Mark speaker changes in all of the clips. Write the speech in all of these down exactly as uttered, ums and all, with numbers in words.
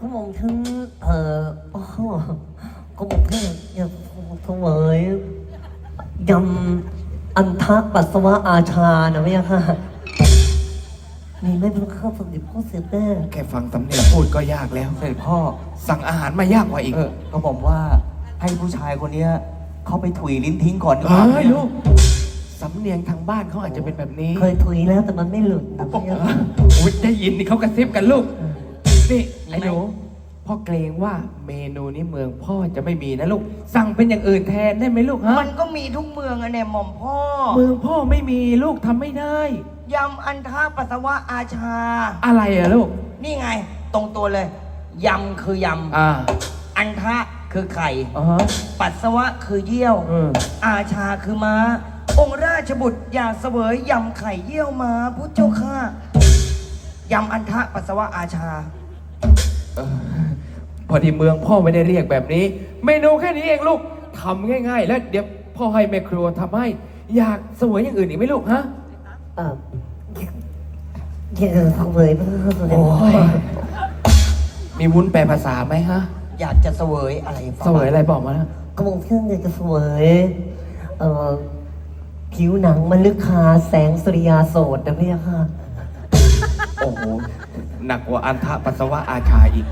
Speaker 1: ก็มองทั้งเอ่อโอ้โหก็มองทั้งอยากถวายยำอันทะปัสสาวะอาชานะไม่ยากค่ะมีไม่เป็นข้าวสมเด็จพ่อเสด็จแม่
Speaker 2: แค่ฟังสำเนียงพูดก็ยากแล้ว
Speaker 3: เสด็จพ่อ
Speaker 2: สั่งอาหารมายากกว่าอีก
Speaker 3: เออก็บอกว่าให้ผู้ชายคนเนี้ยเขาไปถุยลิ้นทิ้งก่อนดีกว่า
Speaker 2: เฮ้ยลูกสำเนียงทางบ้านเขาอาจจะเป็นแบบนี้
Speaker 1: เคยถุยแล้วแต่มันไม่หลุดนะไม่ยากค่ะ
Speaker 2: อุ้ยได้ยินนี่เขากระซิบกันลูกนี่ไอ้หนูพ่อเกรงว่าเมนูนี้เมืองพ่อจะไม่มีนะลูกสั่งเป็นอย่างอื่นแทนได้ไหมลูกฮะ
Speaker 4: มันก็มีทุกเมืองอะเนี่ยหม่อมพ่อ
Speaker 2: เมืองพ่อไม่มีลูกทำไม่ได้
Speaker 4: ยำอันทะปัสสาวะอาชา
Speaker 2: อะไรอะลูก
Speaker 4: นี่ไง ตรงตัวเลย ยำคือย
Speaker 2: อ่า
Speaker 4: ำ อันทะคือไข่
Speaker 2: อ๋อฮะ
Speaker 4: ปัสสาวะคือเยี่ยว
Speaker 2: เออ
Speaker 4: อาชาคือม้า องค์ราชบุตรอยากเสวยยำไข่เยี่ยวม้าพุทธเจ้าข้ายำอันทะปัสสาวะอาชา
Speaker 2: เออพอดีเมืองพ่อไม่ได้เรียกแบบนี้ เมนูแค่นี้เองลูกทำง่ายๆ แล้วเดี๋ยวพ่อให้แม่ครัวทำให้ อยากเสวยอย่างอื่นอีกไหมลูกฮะ
Speaker 1: เอ่ออยากจะถวายพระข้าวสมเด็จ
Speaker 2: โอ้
Speaker 1: พ่อย
Speaker 2: มีวุ้นแปลภาษาไหมฮะ
Speaker 4: อยากจะเสวยอะไรฟัง
Speaker 2: เสวยอะไรบอกมานะ
Speaker 1: ก็มองทั้งอยากจะถวายเอ่อผิวหนังมันลึกคาแสงสุริยาโสดนะไม่ยากค่ะ
Speaker 2: โอ้โห หนักกว่าอันทะปัสสาวะอาชาอีก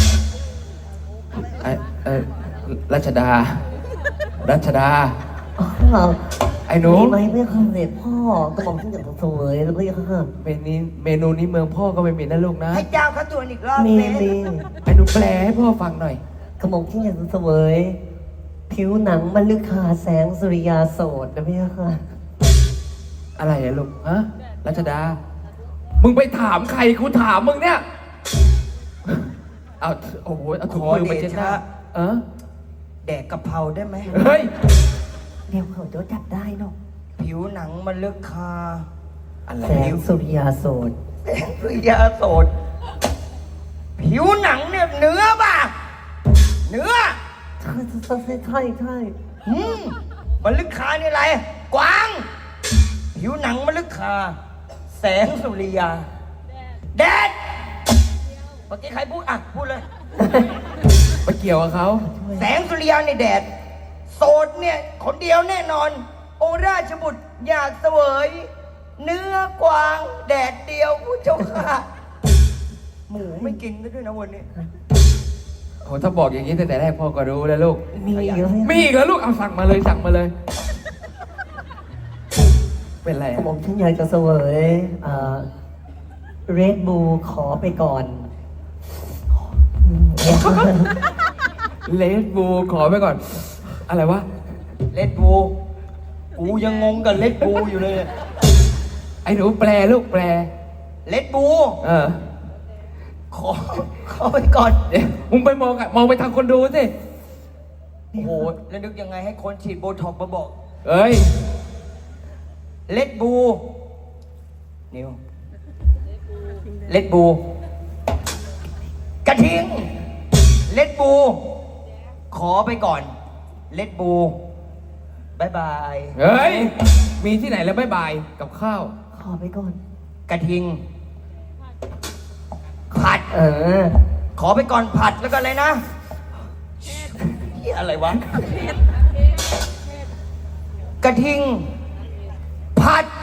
Speaker 2: ไอเออรัชดา รัชดา
Speaker 1: อ๋อ
Speaker 2: ไอ้หนู
Speaker 1: มีไหมไม่คำเด็ดพ่อก็บอกที่อยากจะเสวยแล้วไม่ยากค่ะ
Speaker 2: เมนูนี้เมนูนี้เมืองพ่อก็ไม่มีนะลูกนะ
Speaker 4: ให้เจ้าเขาตรวจอีกรอบ
Speaker 1: มี
Speaker 4: สิ
Speaker 1: มี
Speaker 2: ไอ้หนูแปลให้พ่อฟังหน่อย
Speaker 1: กระหม่อมที่อยากจะเสวยผิวหนังมันลึกคาแสงสุริยาโสดนะพี่ค่ะ
Speaker 2: อะไรอะลูก ฮะ รัชดา มึงไปถามใครกูถามมึงเนี่ย เอาโอ้โห เอาถุงมือมาเช็ดหน้าเออ
Speaker 4: แดกกะเพราได้ไหม
Speaker 2: เฮ้ย
Speaker 1: เดี๋ยวเขาจะจับได้เนาะ
Speaker 4: ผิวหนังมันลึกคา
Speaker 2: อะไร
Speaker 1: แสงสุริยาโสด
Speaker 4: แสงสุริยาโสด ผิวหนังเนี่ยเนื้อป่ะ เนื้อ
Speaker 1: ใช่ใช่ใช่ใช่ใช่
Speaker 4: อืมมันลึกคานี่อะไร กวาง ผิวหนังมันลึกคา แสงสุริยา แดด เมื่อกี้ใครพูดอ่ะ พูดเลย
Speaker 2: ไปเกี่ยวกับเขา
Speaker 4: แสงสุริยาในแดด โสดเนี่ย คนเดียวแน่นอน องค์ราชบุตรอยากเสวย เนื้อกวาง แดดเดียวผู้เจ้าค่ะ หมูไม่กินด้วยนะวันนี้
Speaker 2: โห ถ้าบอกอย่างนี้ตั้งแต่แรกพ่อก็รู้แล้วลูก
Speaker 1: มีอีกแล้ว
Speaker 2: มีอีกแล้วลูก เอาสั่งมาเลยสั่งมาเลย เป็นไร
Speaker 1: กระ
Speaker 2: อะ
Speaker 1: หม่อมฉันอยากจะเสวยเรดบูขอไปก่อนอืมเนี่ยค่ะ
Speaker 2: เลดบูขอไปก่อน อะไรวะ
Speaker 4: เลดบู กูยังงงกับเลดบูอยู่เลย
Speaker 2: ไอ้หนูแปลลูกแปล
Speaker 4: เลดบู
Speaker 2: เออ
Speaker 4: ขอ ขอไปก่อน
Speaker 2: เดี๋ยวมึงไปมองอะมองไปทางคนดูสิ
Speaker 4: โอ้โห แล้วนึกยังไงให้คนฉีดโบท็อกซ์มาบอก
Speaker 2: เอ้ย
Speaker 4: เลดบู นิว เลดบู กระทิง เลดบู ขอไปก่อน เลดบูบายบาย
Speaker 2: เฮ้ย มีที่ไหนแล้วบ๊ายบายกับข้าว
Speaker 1: ขอไปก่อน
Speaker 4: กระทิง ผัด
Speaker 1: เออ
Speaker 4: ขอไปก่อนผัดแล้วก็อะไรนะเหียอะไรวะ กระทิง ผัด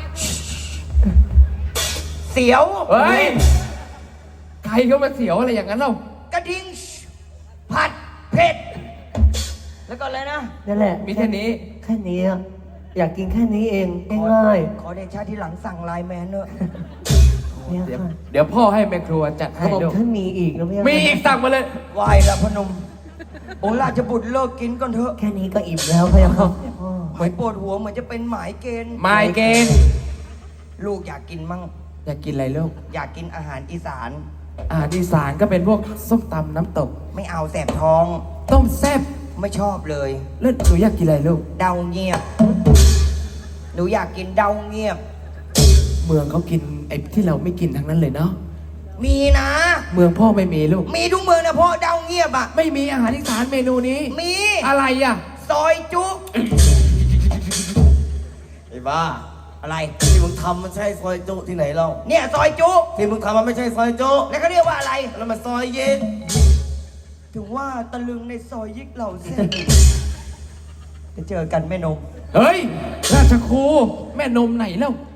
Speaker 4: เสียว
Speaker 2: เฮ้ย ใครเขามาเสียวอะไรอย่างนั้นเล่าก
Speaker 4: ระทิง ผัด เผ็ด แล้วก็อะไรนะ
Speaker 1: นั่นแหละ
Speaker 2: มีแค่นี้
Speaker 1: แค่นี้อะอยากกินแค่นี้เองง่าย
Speaker 4: ขอเดชะที่หลังสั่งไลน์แมนเนอะ
Speaker 1: ๆเนี่ย
Speaker 2: เดี๋ยว
Speaker 1: ค่ะ
Speaker 2: เดี๋ยวพ่อให้แม่ครัวจัด
Speaker 1: ก
Speaker 2: ให้
Speaker 1: ระหม่อม
Speaker 2: ดู
Speaker 1: ท่านมีอีกนะพี่ค่ะ
Speaker 2: มีอีกสั่งมาเลย
Speaker 4: ไหวละพนม องค์ราชบุตรเลิกกินก่อนเถอะ
Speaker 1: แค่นี้ก็อิ่มแล้วพี่ค่ะพ่อ
Speaker 4: หมายปวดหัวเหมือนจะเป็นหมายเกณฑ์
Speaker 2: ไมเกณฑ์
Speaker 4: ลูกอยากกินมั่ง
Speaker 2: อยากกินอะไรลูก
Speaker 4: อยากกินอาหารอีสาน
Speaker 2: อาหารอีสานก็เป็นพวกส้มตำน้ำตก
Speaker 4: ไม่เอาแสบท้อง
Speaker 2: ต้มแซ่บ
Speaker 4: ไม่ชอบเลย
Speaker 2: แล้วหนูอยากกินอะไรลูก
Speaker 4: เดาเงียบ หนูอยากกินเดาเงียบ
Speaker 2: เมืองเขากินไอ้ที่เราไม่กินทั้งนั้นเลยเนาะ
Speaker 4: มีนะ
Speaker 2: เมืองพ่อไม่มีลูก
Speaker 4: มีทุกเมืองนะพ่อเดาเงียบอ่ะ
Speaker 2: ไม่มีอาหารอีสานเมนูนี้
Speaker 4: มี
Speaker 2: อะไรอ่ะ
Speaker 4: ซอยจุ
Speaker 5: ไอ้บ้า
Speaker 4: อะไร
Speaker 5: ที่มึงทำมันใช่ซอยจุที่ไหนเรา
Speaker 4: เนี่ยซอยจุ
Speaker 5: ที่มึงทำมันไม่ใช่ซอยจุ
Speaker 4: แล้วเขาเรียกว่าอะไร
Speaker 5: แล้วมันซอยยิก
Speaker 4: ถึงว่าตะลึงในซอยยิกเหล่าเส้นจะเจอกันแม่นม
Speaker 2: เฮ้ย ราชครูแม่นมไหนแล้ว